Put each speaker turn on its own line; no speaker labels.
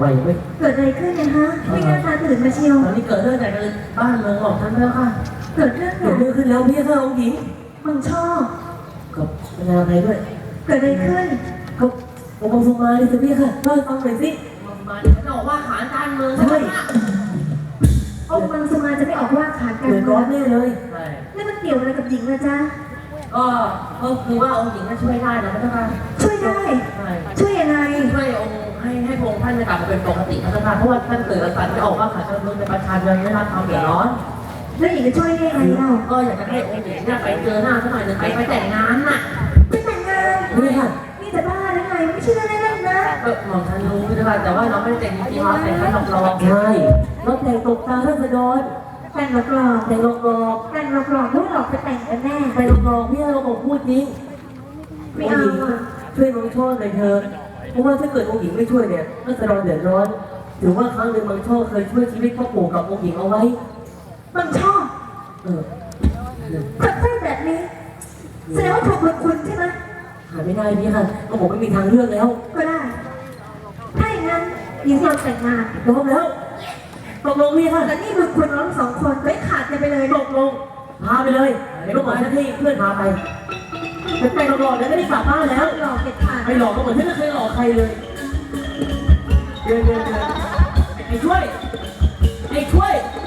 เว้ย
เกิดอะไรขึ้นเนี่ยฮะไม่น่าตาตื่นมาเชียว
ตอนนี้เกิดเรื่องแต่บ้านเมืองของท่านแล้วค่ะ
เกิดเรื่อง
เกิดเรื่องขึ้นแล้วพี่ค่ะองค์หญิง
มึงชอบ
กับงานอะไรด้วย
เกิดอะไรขึ้น
ก็องค์ทรงมาดิสิพี่ค่ะเล่าให้ฟังหน่อยสิ
มาเนี่ยเขาบอกว่าขานการเมืองใช่ไหม
องค์มังสมาจะไม่ออกว่าขาดกัน
เดือดร้อนแน่เลย
ใช่
แล้วมันเกี่ยวอะไรกับหญิงนะจ๊ะ
ก็คือว่าองค์หญิงก็ช่วยได้นะพระเจ้าค่ะ
ช่วยได้
ใช่
ช่วยยังไง
ช่วยองค์ให้พระองค์ท่านกลับมาเป็นปกติพระเจ้าค่ะเพราะว่าท่านเกิดอาการไม่ออกว่าขาดการเมืองในประชาชนไม่รับความเดือดร้อน
แล้วหญิงจะช่วยได้ยังไงเล่า
ก็อยากจะให้องค์หญิงเนี่ยไปเจอหน้าสักหน่อยหนึ่งไปแต่งงานน่ะ
ไปแต่งงาน
พี่ค่ะ
นี่จะบ้าหรือไงไม่ใช่เรื่องเล่นๆนะ
ก็มองท่านรู้พระเจ้าค่ะแต่ว่าเราไม่ได้แต่งจริงๆเราแต่งแค่หลอกๆ
ใช่รถแต่งตกตาราษฎร
แต่งหลอก
แต่งหลอก
ๆแต่งหลอกๆลูกหลอกไปแต่งกันแน่
ๆแต่งหลอกๆพี่เราบอกพูดจริง
ไม่เอาอ่ะ
ช่วยน้องโชคหน่อยเถอะเพราะว่าถ้าเกิดองค์หญิงไม่ช่วยเนี่ยราษฎรเดือดร้อนถือว่าครั้งหนึ่งบางโชคเคยช่วยชีวิตพ่อปู่กับองค์หญิงเอาไว้
มึงชอบ
เออ
จะพูดแบบนี้แสดงว่าถูกบุญคุณใช่ไหม
หาไม่ได้พี่ค่ะก็ผมไม่มีทางเลือกแล้ว
ก็ได้ ถ้าอย่างนั้นหญิงยอมแต่งงาน
ยอมแล้วตกลงพี่ค่ะ
แต่นี่บุญคุณเราทั้งสองคนไม่ขาดกันไปเลย
ตกลงพาไปเลยเดี๋ยวก็บอกฉันให้เพื่อนพาไปแต่แต่งหลอกๆเดี๋ยวไม่ได้กลับบ้านแล้ว
หลอกเด็ดขาด
ไม่หลอกก็เหมือนที่ไม่เคยหลอกใครเลยเดินไอ้ช่วย